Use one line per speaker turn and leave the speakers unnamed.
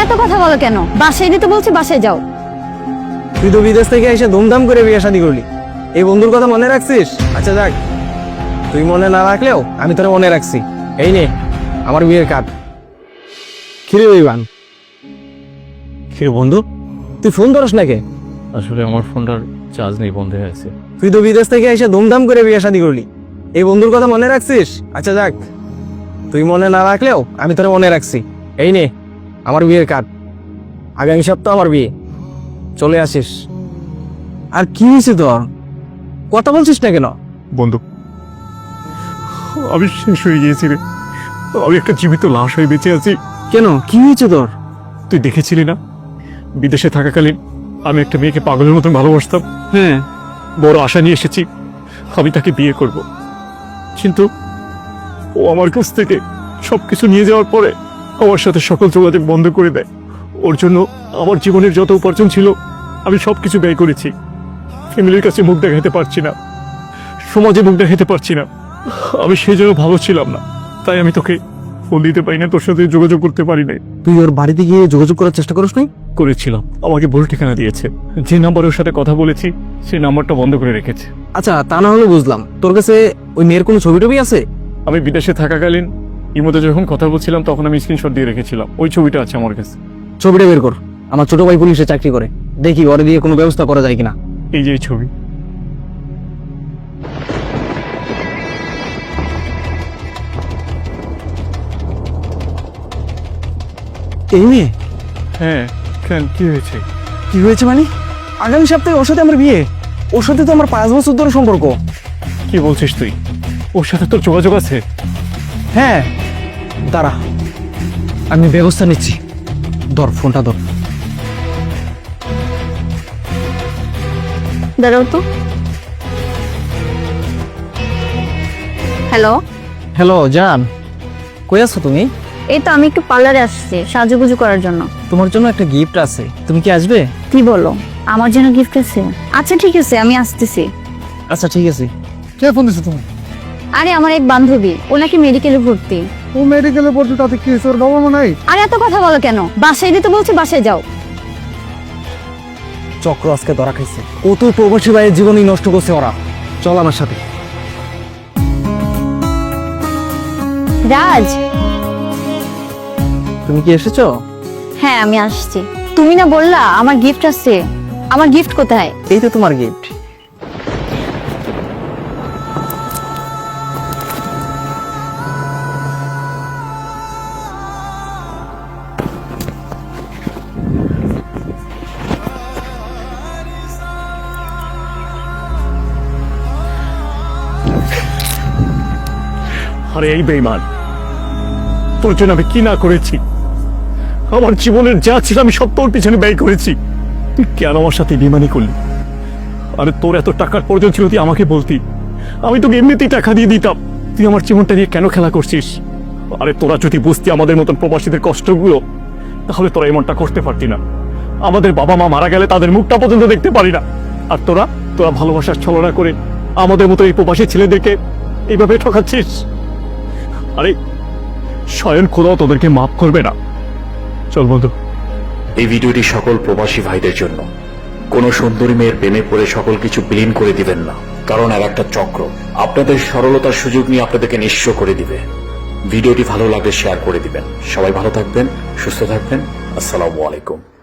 এত কথা বলো কেন? বাসায় দিতে বলছি, বাসায় যাও।
তুই তো বিদেশ থেকে এসে ধুমধাম করে বিয়ে শাদী করলি, এই বন্ধুর কথা মনে রাখছিস? আচ্ছা যাক, তুই মনে না রাখলেও আমি তোরা মনে রাখছি। এই নে আমার বিয়ের কার্ড। কিরে ইভান, কিরে বন্ধু, তুই ফোন ধরস নাকি?
আসলে আমার ফোনটার চার্জ নেই, বন্ধ হয়ে আছে।
তুই তো বিদেশ থেকে এসে ধুমধাম করে বিয়ে শাদী করলি, এই বন্ধুর কথা মনে রাখছিস? আচ্ছা যাক, তুই মনে না রাখলেও আমি তোরা মনে রাখছি। এই নে আমার বিয়ের কার্ড। আগামী সপ্তাহ আমার বিয়ে, চলে আসিস। আর কি হয়েছে তোর? কথা বলছিস না কেন?
বন্ধু, আমি শেষ হয়ে গিয়েছি রে। আমি একটা জীবিত লাশ হয়ে বেঁচে আছি।
কেন, কি হয়েছে তোর?
তুই দেখেছিলি না, বিদেশে থাকাকালীন আমি একটা মেয়েকে পাগলের মতন ভালোবাসতাম।
হ্যাঁ,
বড় আশা নিয়ে এসেছি আমি তাকে বিয়ে করব, কিন্তু ও আমার কাছ থেকে সবকিছু নিয়ে যাওয়ার পরে আমার সাথে সকল যোগাযোগ বন্ধ করে দেয়। ওর জন্য আমার জীবনের যত উপার্জন ছিল আমি সবকিছু ব্যয় করেছি। ফ্যামিলির কাছে মুখ দেখাতে পারছি না, সমাজে মুখ দেখাতে পারছি না। আমি সেই জন্য ভালো ছিলাম না, তাই আমি তোকে ফোন দিতে পারি না, তোর সাথে যোগাযোগ করতে পারি নাই।
তুই ওর বাড়িতে গিয়ে যোগাযোগ করার চেষ্টা করিস নাই?
করেছিলাম, আমাকে ভুল ঠিকানা দিয়েছে। যে নাম্বারে ওর সাথে কথা বলেছি সেই নাম্বারটা বন্ধ করে রেখেছে।
আচ্ছা, তা না হলে বুঝলাম, তোর কাছে ওই মেয়ের কোনো ছবি টবি আছে?
আমি বিদেশে থাকাকালীন ইমোতে যখন কথা বলছিলাম তখন আমি স্ক্রিনশট দিয়ে রেখেছিলাম, ওই ছবিটা আছে আমার কাছে।
ছবিটা বের কর, আমার ছোট ভাই পুলিশে চাকরি করে, দেখি ওরে দিয়ে কোনো ব্যবস্থা করা যায় কিনা।
এই যে এই ছবি।
এই মেয়ে?
হ্যাঁ, কেন, কি হয়েছে?
কি হয়েছে মানে? আগামী সপ্তাহে ওর সাথে আমার বিয়ে। ওর সাথে তো আমার 5 বছর ধরে সম্পর্ক।
কি বলছিস তুই? ওর সাথে তোর যোগাযোগ আছে?
হ্যাঁ, দাঁড়া, আমি ব্যবস্থা নিচ্ছি। ধর ফোনটা, ধর।
দাঁড়াও তো। হ্যালো,
হ্যালো জান, কই আছো তুমি?
এই তো আমি একটু পার্লারে আসছি সাজুগুজু করার জন্য।
তোমার জন্য একটা গিফট আছে, তুমি কি আসবে?
কি বলো, আমার জন্য গিফট আছে? আচ্ছা ঠিক আছে, আমি আসতেছি।
আচ্ছা ঠিক আছে।
কে ফোন দিছো তুমি?
আরে আমার এক বান্ধবী, ও নাকি মেডিকেলে ভর্তি।
ও মেডিকেলে পড়ছো, তাতে কি হয়েছে? ওর বাবা মা নাই?
আরে এত কথা বলো কেন? বাসায় দিতে বলছি, বাসায় যাও।
চক্র আজকে ধরা খাইছে। কত প্রবাসী ভাইয়ের জীবনই নষ্ট করছে ওরা। চল আমার সাথে।
রাজ,
তুমি কি এসেছো?
হ্যাঁ আমি আসছি। তুমি না বললা আমার গিফট আছে? আমার গিফট কোথায়?
এই তো তোমার গিফট।
আরে এই বেঈমান, তোর জন্য আমি কি না করেছি। আমার জীবনের যা ছিল আমি সব তোর পিছনে ব্যয় করেছি, তুই কেন আমার সাথে বেঈমানি করলি? আরে তোর এত টাকার প্রয়োজন ছিল তুই আমাকে বলতি, আমি তোকে এমনিতেই টাকা দিয়ে দিতাম। তুই আমার জীবনটা নিয়ে কেন খেলা করছিস? আরে তোরা যদি বুঝতি আমাদের মতন প্রবাসীদের কষ্টগুলো, তাহলে তোরা এমনটা করতে পারতি না। আমাদের বাবা মা মারা গেলে তাদের মুখটা পর্যন্ত দেখতে পারি না, আর তোরা তোরা ভালোবাসার ছলনা করে আমাদের মতো এই প্রবাসী ছেলেদেরকে এইভাবে ঠকাচ্ছিস। আরে স্বয়ং খোদাও তোদেরকে মাফ করবে না। চল বন্ধু।
এই ভিডিওটি সকল প্রবাসী ভাইদের জন্য। কোন সুন্দরী মেয়ের প্রেমে পড়ে সকল কিছু বিলীন করে দিবেন না, কারণ আর একটা চক্র আপনাদের সরলতার সুযোগ নিয়ে আপনাদেরকে নিঃস্ব করে দিবে। ভিডিওটি ভালো লাগলে শেয়ার করে দিবেন। সবাই ভালো থাকবেন, সুস্থ থাকবেন। আসসালামু আলাইকুম।